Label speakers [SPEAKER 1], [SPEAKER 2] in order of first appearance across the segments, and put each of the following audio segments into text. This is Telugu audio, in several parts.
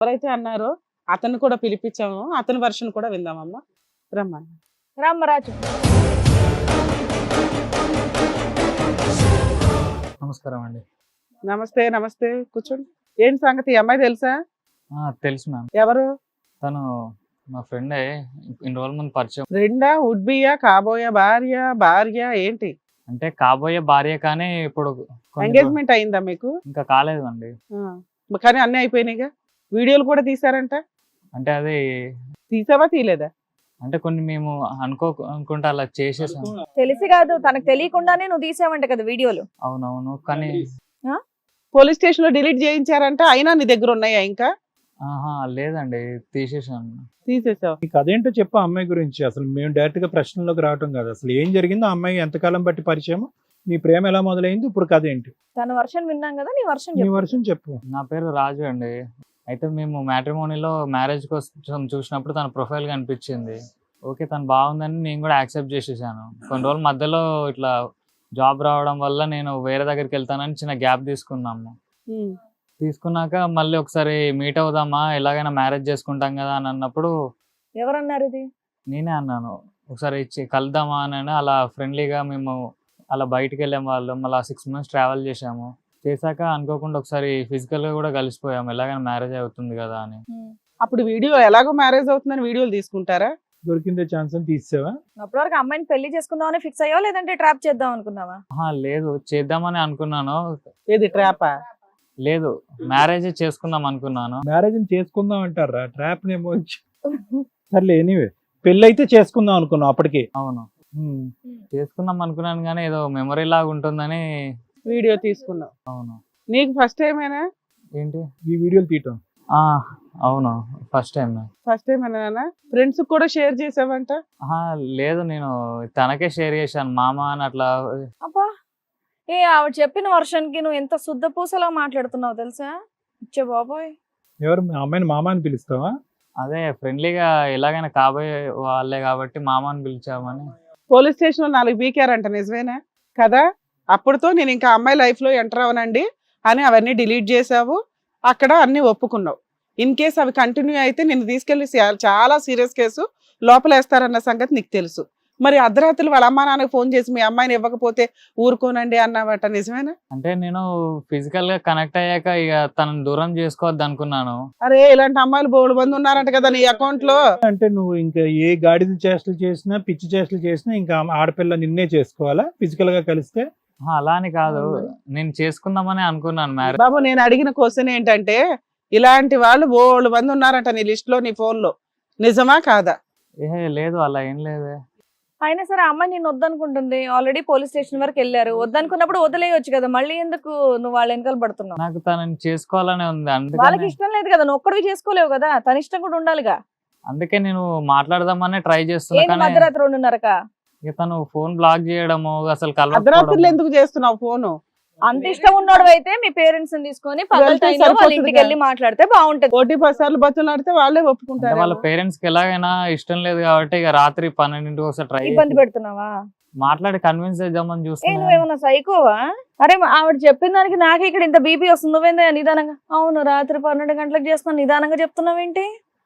[SPEAKER 1] ఎవరైతే అన్నారో అతను కూడా పిలిపించాము, అతని వర్షన్ కూడా విందామమ్మా. రమ్మని
[SPEAKER 2] రామ్మరాజు.
[SPEAKER 3] నమస్కారం అండి.
[SPEAKER 1] నమస్తే నమస్తే, కూర్చోండి. ఏంటి సంగతి? ఈ అమ్మాయి తెలుసా?
[SPEAKER 3] తెలుసు మ్యామ్.
[SPEAKER 1] ఎవరు?
[SPEAKER 3] తను మా ఫ్రెండే, ఇన్ని రోజుల ముందు పరిచయం.
[SPEAKER 1] రెండా, వుడ్ బియా, కాబోయే భార్య, భార్య ఏంటి?
[SPEAKER 3] అంటే కాబోయే భార్య, కానీ ఇప్పుడు
[SPEAKER 1] ఎంగేజ్మెంట్ అయిందా మీకు?
[SPEAKER 3] ఇంకా కాలేదు అండి.
[SPEAKER 1] కానీ అన్నీ అయిపోయినాయిగా. వీడియోలు కూడా తీసారంట.
[SPEAKER 3] అంటే అది
[SPEAKER 1] తీసావా తీలేదా?
[SPEAKER 3] అంటే కొన్ని మేము అనుకుంటా అలా చేసేసాం.
[SPEAKER 2] తెలిసి కాదు, తనకు తెలియకుండానే నువ్వు తీసావంట కదా వీడియోలు.
[SPEAKER 3] అవునవును, కానీ
[SPEAKER 1] పోలీస్ స్టేషన్ లో డిలీట్ చేయించారంట, అయినా నీ దగ్గర ఉన్నాయా ఇంకా?
[SPEAKER 3] లేదండి, తీసేసాను.
[SPEAKER 1] తీసేసావు.
[SPEAKER 4] నీకు అదేంటో చెప్పు అమ్మాయి గురించి. అసలు మేము డైరెక్ట్ గా ప్రశ్నలోకి రావటం కాదు, అసలు ఏం జరిగిందో, అమ్మాయి ఎంతకాలం బట్టి పరిచయం, నీ ప్రేమ ఎలా మొదలైంది, ఇప్పుడు కథ ఏంటి?
[SPEAKER 2] తన వర్షన్ విన్నాం కదా, నీ వర్షన్
[SPEAKER 4] నీ
[SPEAKER 2] చెప్పు.
[SPEAKER 4] వర్షం చెప్పు.
[SPEAKER 3] నా పేరు రాజు అండి. అయితే మేము మ్యాట్రిమోనీలో మ్యారేజ్ కోసం చూసినప్పుడు తన ప్రొఫైల్ కనిపించింది. ఓకే, తను బాగుందని నేను కూడా యాక్సెప్ట్ చేసేసాను. కొన్ని రోజుల మధ్యలో ఇట్లా జాబ్ రావడం వల్ల నేను వేరే దగ్గరికి వెళ్తానని చిన్న గ్యాప్ తీసుకున్నాము. తీసుకున్నాక మళ్ళీ ఒకసారి మీట్ అవుదామా, ఎలాగైనా మ్యారేజ్ చేసుకుంటాం కదా అని అన్నప్పుడు
[SPEAKER 2] ఎవరన్నారు ఇది?
[SPEAKER 3] నేనే అన్నాను, ఒకసారి కలుద్దామా అని. అలా ఫ్రెండ్లీగా మేము అలా బయటికి వెళ్ళాం వాళ్ళం. అలా 6 months ట్రావెల్ చేసాము. చేశాక అనుకోకుండా ఒకసారి ఫిజికల్ గా కూడా కలిసిపోయాము, ఎలాగైనా మ్యారేజ్ అవుతుంది కదా అని.
[SPEAKER 1] అప్పుడు వీడియో ఎలాగో మ్యారేజ్ అవుతుందని వీడియోలు తీసుకుంటారా?
[SPEAKER 4] దొరికిందే ఛాన్స్ అని తీసావా?
[SPEAKER 2] అప్పటి వరకు అమ్మాయిని పెళ్లి చేసుకుందామని ఫిక్స్ అయ్యావా, లేదంటే ట్రాప్ చేద్దాం అనుకున్నావా?
[SPEAKER 3] లేదు, చేద్దామని అనుకున్నాను.
[SPEAKER 1] ఏది ట్రాపా?
[SPEAKER 3] లేదు, మ్యారేజ్ చేసుకుందాం అనుకున్నాను.
[SPEAKER 4] మ్యారేజ్ చేసుకుందాం అంటారా? ట్రాప్ నేమో. సర్లే, ఎనీవే పెళ్ళి అయితే చేసుకుందాం అనుకున్నాం అప్పటికి.
[SPEAKER 3] అవును, చేసుకుందాం అనుకున్నాను, కానీ ఏదో మెమరీ లాగా ఉంటుందని
[SPEAKER 1] వీడియో తీసుకున్నావు.
[SPEAKER 3] అవును.
[SPEAKER 1] నీకు ఫస్ట్ టైమేనా
[SPEAKER 3] ఏంటి
[SPEAKER 4] ఈ వీడియోలు తీయటం?
[SPEAKER 3] అవును, ఫస్ట్ టైం.
[SPEAKER 1] ఫస్ట్ టైమేనా? ఫ్రెండ్స్ కూడా షేర్ చేసావంట?
[SPEAKER 3] లేదు, నేను తనకే షేర్ చేశాను, మామ అని అట్లా.
[SPEAKER 2] అబ్బా, ఆవిడ చెప్పిన వర్షన్ కి నువ్వు ఎంత శుద్ధ పూసలా మాట్లాడుతున్నావు తెలుసా? ఇచ్చే బాబోయ్.
[SPEAKER 4] ఎవరు అమ్మాయిని మామ అని పిలుస్తావా?
[SPEAKER 3] అదే ఫ్రెండ్లీగా ఎలాగైనా కాబోయే వాళ్ళే కాబట్టి మామ అని పిలిచామని.
[SPEAKER 1] పోలీస్ స్టేషన్ లో 4 పీకారంట, నిజమేనా కదా? అప్పుడుతో నేను ఇంకా అమ్మాయి లైఫ్ లో ఎంటర్ అవనండి అని అవన్నీ డిలీట్ చేసావు, అక్కడ అన్ని ఒప్పుకున్నావు. ఇన్ కేస్ అవి కంటిన్యూ అయితే నిన్ను తీసుకెళ్లి చాలా సీరియస్ కేసు లోపలేస్తారన్న సంగతి నీకు తెలుసు. మరి అర్ధరాత్రులు వాళ్ళ అమ్మా నాన్నకి ఫోన్ చేసి మీ అమ్మాయిని ఇవ్వకపోతే ఊరుకోనండి అన్నావట, నిజమేనా?
[SPEAKER 3] అంటే నేను ఫిజికల్ గా కనెక్ట్ అయ్యాక ఇక తనని దూరం చేసుకోవద్దు అనుకున్నాను.
[SPEAKER 1] అరే, ఇలాంటి అమ్మాయిలు బోడు మంది ఉన్నారంట కదా నీ అకౌంట్ లో.
[SPEAKER 4] అంటే నువ్వు ఇంకా ఏ గాడిద చేష్టలు చేసినా, పిచ్చి చేష్టలు చేసినా ఇంకా ఆడపిల్ల నిన్నే చేసుకోవాలా ఫిజికల్ గా కలిస్తే?
[SPEAKER 3] అలా అని కాదు, నేను చేసుకుందామని అనుకున్నాను మ్యారేజ్.
[SPEAKER 1] బాబు, నేను అడిగిన క్వశ్చన్ ఏంటంటే, ఇలాంటి వాళ్ళు బోడు మంది ఉన్నారంట నీ లిస్ట్ లో, నీ ఫోన్ లో, నిజమా కాదా?
[SPEAKER 3] లేదు, అలా ఏం లేదే.
[SPEAKER 2] అయినా సరే అమ్మాయి నేను వద్దనుకుంటుంది, ఆల్రెడీ పోలీస్ స్టేషన్ వరకు వెళ్ళారు. వద్దనుకున్నప్పుడు వదిలేయొచ్చు కదా, మళ్ళీ ఎందుకు నువ్వు వాళ్ళ వెనకాల పడుతున్నావు?
[SPEAKER 3] నాకు తనని చేసుకోవాలనే ఉంది,
[SPEAKER 2] వాళ్ళకి
[SPEAKER 3] అందుకని
[SPEAKER 2] ఇష్టం లేదు కదా, నువ్వు ఒక్కడివి చేసుకోలేవు కదా, తన ఇష్టం కూడా ఉండాలిగా.
[SPEAKER 3] అందుకే నేను మాట్లాడదామని ట్రై చేస్తున్నా.
[SPEAKER 2] ఏంటి
[SPEAKER 3] కానీ
[SPEAKER 2] మధ్యరాత్రి 2:30కా?
[SPEAKER 3] ఇక తను ఫోన్ బ్లాక్ చేయడము, అసలు
[SPEAKER 1] అర్ధరాత్రులు
[SPEAKER 3] కలవకపోవడము.
[SPEAKER 1] ఎందుకు చేస్తున్నావు ఫోను?
[SPEAKER 2] అంత ఇష్టం ఉన్నాడు అయితే మీ పేరెంట్స్ ని తీసుకొని పగల
[SPEAKER 1] వెళ్తే
[SPEAKER 2] టైంలో వాళ్ళ
[SPEAKER 1] సరిపోతుంది
[SPEAKER 2] ఇంటికి వెళ్ళి మాట్లాడితే బాగుంటది.
[SPEAKER 1] 1-10 సార్లు బతులాడితే వాళ్ళే
[SPEAKER 3] అంటే
[SPEAKER 1] ఒప్పుకుంటారు.
[SPEAKER 3] వాళ్ళ పేరెంట్స్ కి ఎలాగైనా ఇష్టం లేదు కాబట్టి ఇక రాత్రి 12 ఒకసారి ట్రై
[SPEAKER 2] ఇబ్బంది పెడుతున్నావా?
[SPEAKER 3] మాట్లాడి కన్విన్స్ చేద్దామని చూస్తున్నా.
[SPEAKER 2] నువ్వేమన్నా సైకోవా? అరే ఆవిడ చెప్పిన దానికి నాకే ఇక్కడ ఇంత బీపీ వస్తుంది, నువ్వేందా నిదానంగా? అవును, రాత్రి 12 గంటలకు చేస్తున్నావు, నిదానంగా చెప్తున్నావేంటి?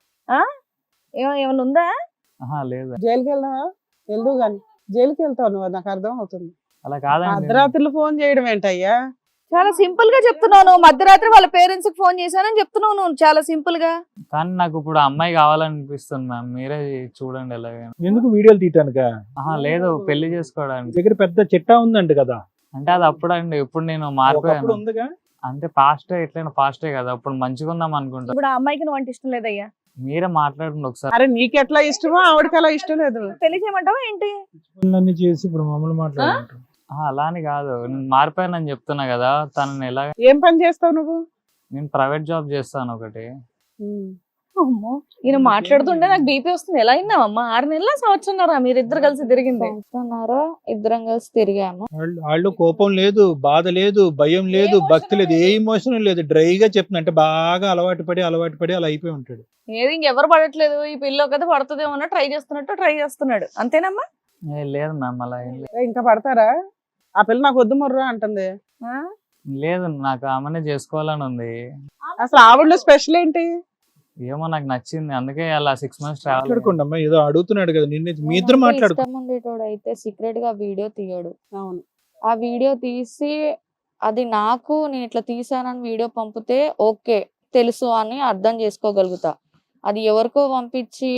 [SPEAKER 2] ఏమన్నా ఉందా?
[SPEAKER 3] లేదు,
[SPEAKER 1] జైలుకి వెళ్దావా? వెళ్దు గాని జైలుకి వెళ్తావు నువ్వు, నాకు అర్థం అవుతుంది.
[SPEAKER 3] అలా కాదండి.
[SPEAKER 1] అర్ధరాత్రులు ఫోన్ చేయడం ఏంటయ్యా?
[SPEAKER 2] చాలా సింపుల్ గా చెప్తున్నావు. మధ్యరాత్రి వాళ్ళ పేరెంట్స్ కి ఫోన్ చేశానని చెప్తున్నావు నువ్వు, చాలా సింపుల్ గా.
[SPEAKER 3] కానీ నాకు ఇప్పుడు అమ్మాయి కావాలనిపిస్తుంది మ్యామ్, మీరే చూడండి ఎలాగైనా.
[SPEAKER 4] ఎందుకు వీడియోలు తీయటానిక?
[SPEAKER 3] లేదు, పెళ్లి చేసుకోవడానికి.
[SPEAKER 4] దగ్గర పెద్ద చిట్టా ఉందంట కదా.
[SPEAKER 3] అంటే అది అప్పుడండి, ఇప్పుడు నేను
[SPEAKER 4] ఒకప్పుడు
[SPEAKER 3] మారిపోయాను.
[SPEAKER 4] ఉందిగా.
[SPEAKER 3] అంటే పాస్టే, ఎట్లయినా పాస్టే కదా, అప్పుడు మంచిగా ఉందాం అనుకుంటా.
[SPEAKER 2] ఇప్పుడు ఆ అమ్మాయికి నువ్వు అంటే ఇష్టం లేదయ్యా?
[SPEAKER 3] మీరే మాట్లాడండి ఒకసారి.
[SPEAKER 1] అరే, నీకు ఎట్లా ఇష్టమో ఆవిడకి అలా ఇష్టం లేదు.
[SPEAKER 2] పెళ్లి చేయమంటావా ఏంటి?
[SPEAKER 4] అన్ని చేసి ఇప్పుడు మమ్మల్ని మాట్లాడుకుంటారు.
[SPEAKER 3] అలా అని కాదు, నేను మారిపోయానని చెప్తున్నా కదా. తనని ఎలా,
[SPEAKER 1] ఏం పని చేస్తావు నువ్వు?
[SPEAKER 3] నేను ప్రైవేట్ జాబ్ చేస్తాను ఒకటి.
[SPEAKER 2] అమ్మో, ఈయన మాట్లాడుతుంటే నాకు బీపీ వస్తుంది. ఎలా అయిందామమ్మా? 6 నెలల సంవత్సరంన్నర మీరిద్దరు కలిసి తిరిగింది?
[SPEAKER 5] ఇద్దరం కలిసి తిరిగాము.
[SPEAKER 4] వాళ్ళు కోపం లేదు, బాధ లేదు, భయం లేదు, భక్తి లేదు, ఏ ఇమోషన్ లేదు. డ్రైగా చెప్తున్నా, అంటే బాగా అలవాటు పడి అలా అయిపోయి ఉంటాడు.
[SPEAKER 2] ఏది ఇంకెవరు పడట్లేదు, ఈ పిల్ల కదా పడుతుందేమో ట్రై చేస్తున్నాడు, అంతేనమ్మా?
[SPEAKER 3] లేదు మ్యామ్, అలా ఏం లేదు.
[SPEAKER 1] ఇంకా పడతారా? ఆ పిల్ల నాకు వద్దు మొర్రా అంటుంది.
[SPEAKER 3] లేదు, నాకు ఆమెనే చేసుకోవాలని ఉంది.
[SPEAKER 1] అసలు ఆవిడలో స్పెషల్ ఏంటి?
[SPEAKER 3] ఏమో నాకు నచ్చింది, అందుకే అలా 6 months ట్రావెల్.
[SPEAKER 4] మాట్లాడుకోండి అమ్మా, ఏదో అడుగుతున్నాడు కదా నిన్ను, మీ ఇద్దరు
[SPEAKER 5] నేనంటే
[SPEAKER 4] మాట్లాడుకో.
[SPEAKER 5] ఇష్టం ఉండేటోడు అయితే సీక్రెట్ గా వీడియో తీయడు.
[SPEAKER 1] అవును.
[SPEAKER 5] ఆ వీడియో తీసి అది నాకు నేను ఇట్లా తీసానని వీడియో పంపితే ఓకే తెలుసు అని అర్థం చేసుకోగలుగుతా. అది ఎవరికో పంపించి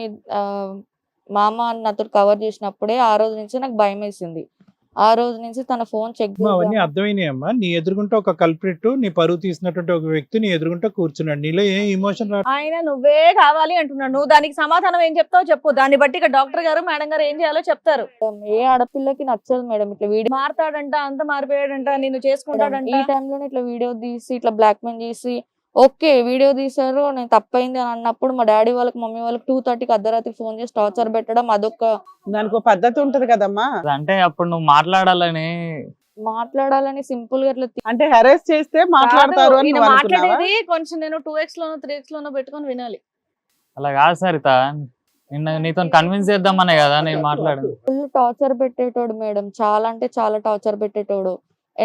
[SPEAKER 5] మామ అని నాతో కవర్ చేసినప్పుడే ఆ రోజు నుంచి నాకు భయం వేసింది. ఆ రోజు నుంచి తన ఫోన్ చెక్
[SPEAKER 4] అమ్మా, అవన్నీ అర్థమైనాయి అమ్మా. నీ ఎదురుగుంటే ఒక కల్ప్రిట్, నీ పరువు తీసినటువంటి ఒక వ్యక్తి నీ ఎదురుగుంటే కూర్చున్నాడు, నీలో ఏం ఇమోషన్ రా.
[SPEAKER 2] ఆయన నువ్వే కావాలి అంటున్నాడు, నువ్వు దానికి సమాధానం ఏం చెప్తావు చెప్పు. దాన్ని బట్టి ఇక డాక్టర్ గారు మేడం గారు ఏం చేయాలో చెప్తారు.
[SPEAKER 5] ఏ ఆడపిల్లకి నచ్చదు మేడం ఇట్లా వీడియో.
[SPEAKER 2] మారతాడంట, అంత మారిపోయాడంట, నిన్ను చేసుకుంటాడంట.
[SPEAKER 5] ఈ టైంలోనే ఇట్లా వీడియో తీసి ఇట్లా బ్లాక్ మెయిల్ చేసి ఓకే వీడియో తీసారు నేను తప్పైంది అని అన్నప్పుడు మా డాడీ వాళ్ళకి మమ్మీ వాళ్ళకి 2:30కి అర్ధరాత్రి ఫోన్ చేసి టార్చర్ పెట్టడం అదొక
[SPEAKER 1] దానికి ఒక పద్ధతి ఉంటది కదమ్మా.
[SPEAKER 3] అంటే అప్పుడు నువ్వు మాట్లాడాలని
[SPEAKER 5] మాట్లాడాలని సింపుల్ గా ఇట్లా
[SPEAKER 1] అంటే హెరాస్ చేస్తే మాట్లాడతారు
[SPEAKER 2] కాదు,
[SPEAKER 1] అని
[SPEAKER 2] ఈయన
[SPEAKER 1] నువ్వు అనుకున్నావా?
[SPEAKER 2] మాట్లాడేది కొంచెం నేను 2x లోనో 3x లోనో పెట్టుకొని వినాలి.
[SPEAKER 3] అలా కాదు సరిత, నిన్న నీతో కన్విన్స్ చేద్దామనే కదా నేను మాట్లాడాను.
[SPEAKER 5] ఫుల్ టార్చర్ పెట్టేటోడు మేడం, చాలా అంటే చాలా టార్చర్ పెట్టేటోడు.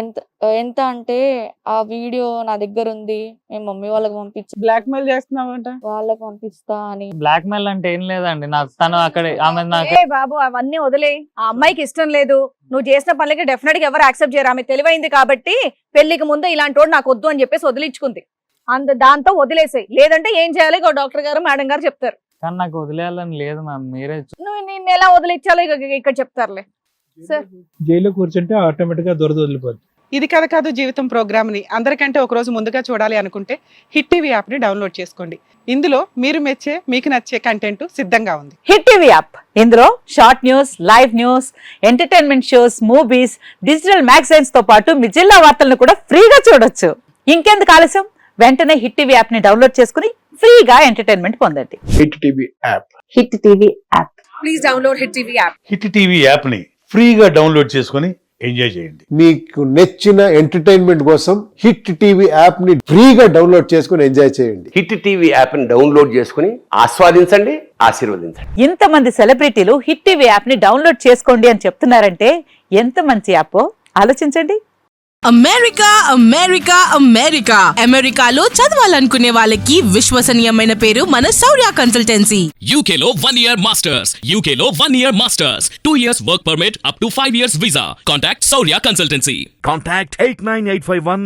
[SPEAKER 5] ఎంత అంటే ఆ వీడియో నా దగ్గర ఉంది, మేము మమ్మీ వాళ్ళకి పంపించి
[SPEAKER 1] బ్లాక్ మెయిల్ చేస్తున్నావంట.
[SPEAKER 5] వాళ్ళకి పంపిస్తా అని.
[SPEAKER 3] బ్లాక్ మెయిల్ అంటే ఏం లేదండి, నాకు తను అక్కడ ఆమె నాకు
[SPEAKER 2] ఏ బాబు అవన్నీ వదిలే, ఆ అమ్మాయికి ఇష్టం లేదు, నువ్వు చేసిన పనులకి డెఫినెట్ గా ఎవరు యాక్సెప్ట్ చేయరు. ఆమె తెలివైంది కాబట్టి పెళ్లికి ముందు ఇలాంటి వాడు నాకు వద్దు అని చెప్పేసి వదిలించుకుంది. దాంతో వదిలేసాయి. లేదంటే ఏం చేయాలి డాక్టర్ గారు మేడం గారు చెప్తారు.
[SPEAKER 3] కానీ నాకు వదిలేయాలని లేదు మ్యామ్, మీరే
[SPEAKER 2] నువ్వు నిన్ను ఎలా వదిలించాలో ఇక్కడ చెప్తారులే. సార్
[SPEAKER 4] జైల్లో కూర్చుంటే ఆటోమేటిక్ గా దొరద వదిలిపోద్ది.
[SPEAKER 1] ఇది కథ కాదు జీవితం ప్రోగ్రామ్ ని అందరికంటే ఒక రోజు ముందుగా చూడాలి అనుకుంటే హిట్ టీవీ యాప్ ని డౌన్లోడ్ చేసుకోండి. ఇందులో మీరు మెచ్చే మీకు నచ్చే కంటెంట్ సిద్ధంగా ఉంది.
[SPEAKER 6] హిట్ టీవీ యాప్ ఇందులో short news, live news, entertainment shows, movies, digital magazines తో పాటు మీ జిల్లా వార్తలను కూడా ఫ్రీగా చూడొచ్చు. ఇంకెందుకు ఆలస్యం, వెంటనే హిట్ టీవీ యాప్ ని డౌన్లోడ్ చేసుకుని ఫ్రీగా ఎంటర్టైన్మెంట్ పొందండి.
[SPEAKER 7] Hit TV app.
[SPEAKER 6] Hit TV app.
[SPEAKER 2] Please download hit TV app.
[SPEAKER 8] Hit TV app ని ఫ్రీగా డౌన్లోడ్ చేసుకొని ఎంజాయ్ చేయండి.
[SPEAKER 7] మీకు నచ్చిన ఎంటర్టైన్మెంట్ కోసం హిట్ టీవీ యాప్ ని ఫ్రీగా డౌన్లోడ్ చేసుకొని ఎంజాయ్ చేయండి.
[SPEAKER 9] హిట్ టీవీ యాప్ ని డౌన్లోడ్ చేసుకుని ఆస్వాదించండి, ఆశీర్వదించండి.
[SPEAKER 6] ఇంతమంది సెలబ్రిటీలు హిట్ టీవీ యాప్ ని డౌన్లోడ్ చేసుకోండి అని చెప్తున్నారంటే ఎంత మంచి యాప్ ఆలోచించండి.
[SPEAKER 10] అమెరికా అమెరికా అమెరికా అమెరికాలో చదవాలనుకునే వాళ్ళకి విశ్వసనీయమైన పేరు మన శౌర్య కన్సల్టెన్సీ.
[SPEAKER 11] UK లో 1 year masters. UK లో 1 year masters. 2 years work permit up to 5 years visa. Contact Saurya Consultancy.
[SPEAKER 12] Contact 89851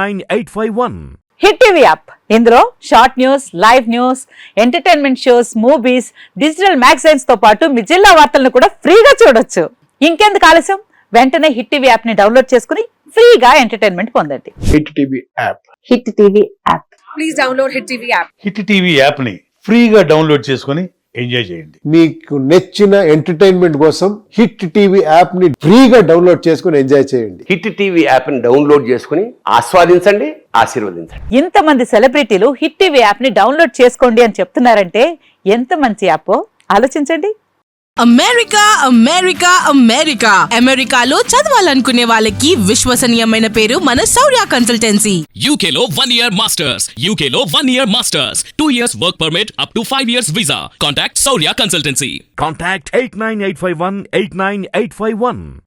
[SPEAKER 12] 89851.
[SPEAKER 6] Hit TV app ఇందులో short news, live news, entertainment shows, movies, digital magazines తో పాటు మీ జిల్లా వార్తలను కూడా ఫ్రీగా చూడొచ్చు. ఇంకెందుకు ఆలస్యం, వెంటనే హిట్ టీవీ యాప్ ని డౌన్లోడ్ చేసుకుని ఫ్రీగా ఎంటర్టైన్మెంట్ పొందండి.
[SPEAKER 7] Hit TV app.
[SPEAKER 6] Hit TV app.
[SPEAKER 2] Please download hit TV app.
[SPEAKER 8] Hit TV app ని ఫ్రీగా డౌన్లోడ్ చేసుకొని ఎంజాయ్ చేయండి.
[SPEAKER 7] మీకు నచ్చిన ఎంటర్టైన్మెంట్ కోసం హిట్ టీవీ యాప్ ని ఫ్రీగా డౌన్లోడ్ చేసుకొని ఎంజాయ్ చేయండి.
[SPEAKER 9] హిట్ టీవీ యాప్ ని డౌన్లోడ్ చేసుకుని ఆస్వాదించండి, ఆశీర్వదించండి.
[SPEAKER 6] ఇంతమంది సెలబ్రిటీలు హిట్ టీవీ యాప్ ని డౌన్లోడ్ చేసుకోండి అని చెప్తున్నారంటే ఎంత మంచి యాప్ ఆలోచించండి.
[SPEAKER 10] అమెరికా అమెరికా అమెరికా అమెరికాలో చదవాలనుకునే వాళ్ళకి విశ్వసనీయమైన పేరు మన శౌర్య కన్సల్టెన్సీ.
[SPEAKER 11] UK లో 1 year masters. UK లో 1 year masters. 2 years work permit up to 5 years visa. Contact Saurya Consultancy.
[SPEAKER 12] Contact 89851 89851.